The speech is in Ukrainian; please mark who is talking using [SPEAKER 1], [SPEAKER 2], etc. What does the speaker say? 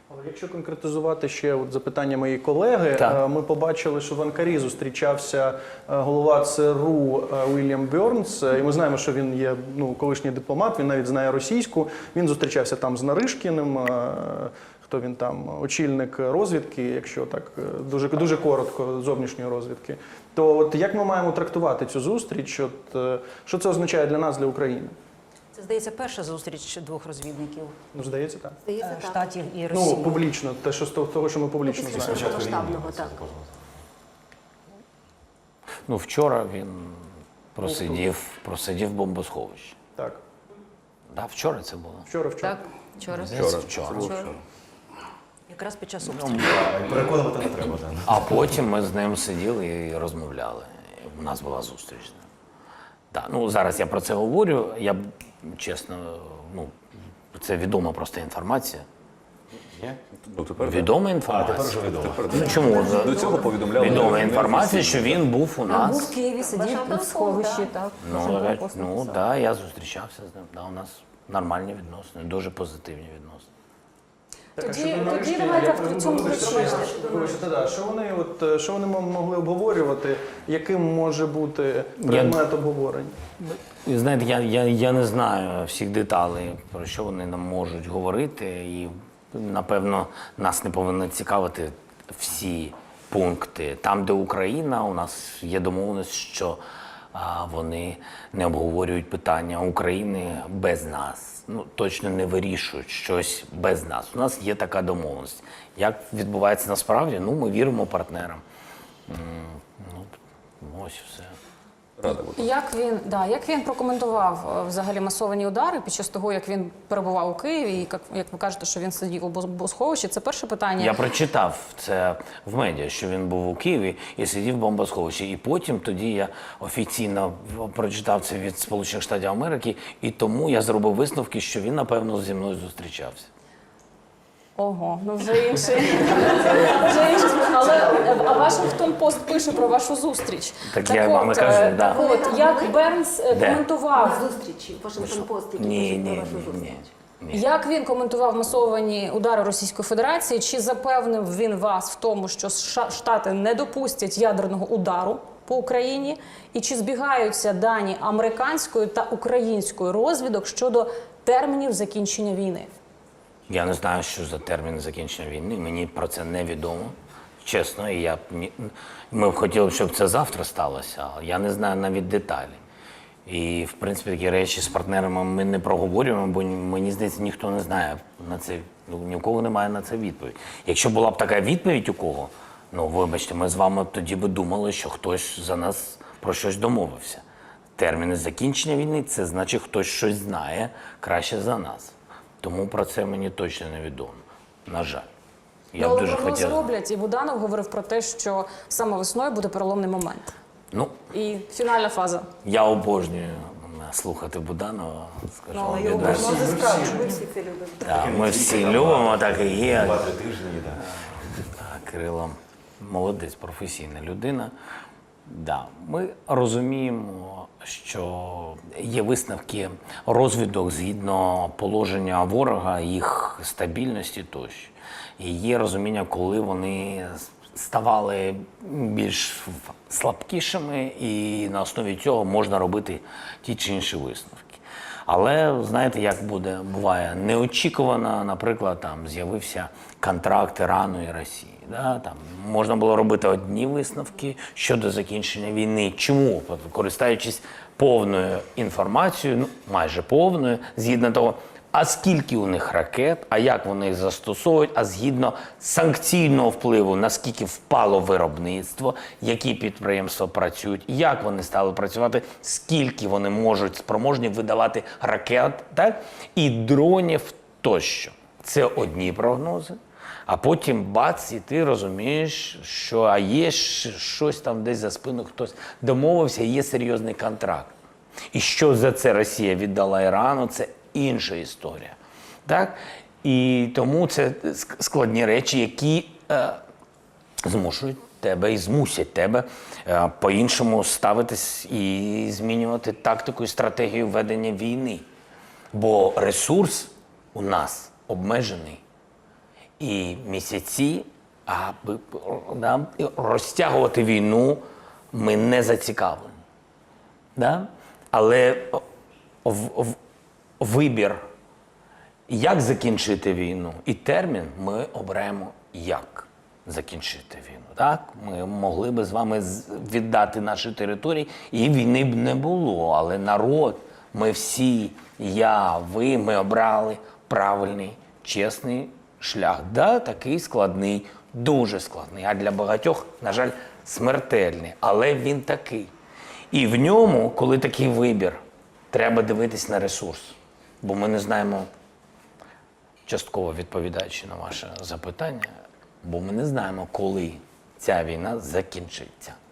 [SPEAKER 1] Якщо конкретизувати ще от запитання моєї колеги, ми побачили, що в Анкарі зустрічався голова ЦРУ Уільям Бьорнс, і ми знаємо, що він є колишній дипломат, він навіть знає російську, він зустрічався там з Наришкіним, хто він там, очільник розвідки, якщо так дуже коротко, зовнішньої розвідки. То от як ми маємо трактувати цю зустріч, що це означає для нас, для України?
[SPEAKER 2] Це, здається, перша зустріч двох розвідників.
[SPEAKER 1] Ну, здається, так.
[SPEAKER 2] Штатів і Росії.
[SPEAKER 1] Ну, публічно, те, що з того, що ми публічно знаємо.
[SPEAKER 3] Після масштабного, так.
[SPEAKER 4] Ну, вчора він просидів в бомбосховищі.
[SPEAKER 1] Так.
[SPEAKER 4] Так, вчора це було.
[SPEAKER 1] Вчора.
[SPEAKER 2] Так, вчора.
[SPEAKER 4] Вчора.
[SPEAKER 2] Якраз під час обстрілу.
[SPEAKER 3] Переконувати не треба.
[SPEAKER 4] А потім ми з ним сиділи і розмовляли. У нас була зустріч. Так, ну, зараз я про це говорю. Я чесно, це відома просто інформація. Відома інформація.
[SPEAKER 3] Тепер вже відомо.
[SPEAKER 4] Ну, чому?
[SPEAKER 3] До цього повідомляли.
[SPEAKER 4] Відома інформація, що він був у
[SPEAKER 2] Був
[SPEAKER 4] нас.
[SPEAKER 2] в Києві, сидів в сховищі, так.
[SPEAKER 4] Ну, так, я зустрічався з ним. Да, у нас нормальні відносини, дуже позитивні відносини.
[SPEAKER 2] Тоді давайте в цьому ключі.
[SPEAKER 1] Що вони могли обговорювати, яким може бути предмет обговорення?
[SPEAKER 4] І знаєте, я не знаю всіх деталей, про що вони нам можуть говорити, і, напевно, нас не повинні цікавити всі пункти. Там, де Україна, у нас є домовленість, що вони не обговорюють питання України без нас. Ну, точно не вирішують щось без нас. У нас є така домовленість. Як відбувається насправді? Ну, ми віримо партнерам. Ось все.
[SPEAKER 5] Як він прокоментував взагалі масовані удари під час того, як він перебував у Києві, і як ви кажете, що він сидів у бомбосховищі? Це перше питання.
[SPEAKER 4] Я прочитав це в медіа, що він був у Києві і сидів в бомбосховищі. І потім тоді я офіційно прочитав це від Сполучених Штатів Америки, і тому я зробив висновки, що він, напевно, зі мною зустрічався.
[SPEAKER 5] Ого, ну вже інший. Але Вашингтон Пост пише про вашу зустріч.
[SPEAKER 4] Так я вам і кажу, да.
[SPEAKER 5] От, як Бернс коментував
[SPEAKER 3] Зустрічі, Вашингтон Пост, які
[SPEAKER 4] Ні.
[SPEAKER 3] про вашу зустріч.
[SPEAKER 5] Як він коментував масовані удари Російської Федерації? Чи запевнив він вас в тому, що Штати не допустять ядерного удару по Україні? І чи збігаються дані американської та української розвідок щодо термінів закінчення війни?
[SPEAKER 4] Я не знаю, що за термін закінчення війни. Мені про це не відомо. Чесно, і ми б хотіли, щоб це завтра сталося, але я не знаю навіть деталі. І, в принципі, такі речі з партнерами ми не проговорюємо, бо, мені здається, ніхто не знає на це, ні у кого немає на це відповідь. Якщо була б така відповідь у кого, ну, вибачте, ми з вами тоді б думали, що хтось за нас про щось домовився. Терміни закінчення війни – це значить, хтось щось знає краще за нас. Тому про це мені точно не відомо. На жаль. Я б дуже хотів.
[SPEAKER 5] Роблять, і Буданов говорив про те, що саме весною буде переломний момент.
[SPEAKER 4] Ну,
[SPEAKER 5] І фінальна фаза.
[SPEAKER 4] я обожнюю слухати Буданова. Скажу вам
[SPEAKER 2] його
[SPEAKER 4] відверто.
[SPEAKER 3] Ми всі це любимо.
[SPEAKER 4] Так, ми всі любимо, так і є.
[SPEAKER 3] 2-3 тижні, так.
[SPEAKER 4] Кирило молодець, професійна людина. Да, ми розуміємо, що є висновки розвідок згідно положення ворога, їх стабільності тощо. І є розуміння, коли вони ставали більш слабкішими, і на основі цього можна робити ті чи інші висновки. Але знаєте, як буває неочікувано, наприклад, там з'явився контракт Ірану і Росії. Да? Там можна було робити одні висновки щодо закінчення війни. Чому? Користуючись повною інформацією, ну майже повною, згідно того, а скільки у них ракет, а як вони їх застосовують, а згідно санкційного впливу, наскільки впало виробництво, які підприємства працюють, як вони стали працювати, скільки вони можуть спроможні видавати ракет, так? І дронів тощо. Це одні прогнози. А потім бац, і ти розумієш, що є щось там десь за спину, хтось домовився, є серйозний контракт. І що за це Росія віддала Ірану, це інша історія. Так? І тому це складні речі, які змушують тебе і змусять тебе по-іншому ставитись і змінювати тактику і стратегію ведення війни. Бо ресурс у нас обмежений. і місяці, аби розтягувати війну ми не зацікавлені. Да? Але вибір, як закінчити війну, і термін ми оберемо, як закінчити війну. Так? Ми могли би з вами віддати наші території, і війни б не було. Але народ, ми всі, я, ви, ми обрали правильний, чесний шлях. Да, такий складний, дуже складний, а для багатьох, на жаль, смертельний. Але він такий. І в ньому, коли такий вибір, треба дивитись на ресурс. Бо ми не знаємо, частково відповідаючи на ваше запитання, бо ми не знаємо, коли ця війна закінчиться.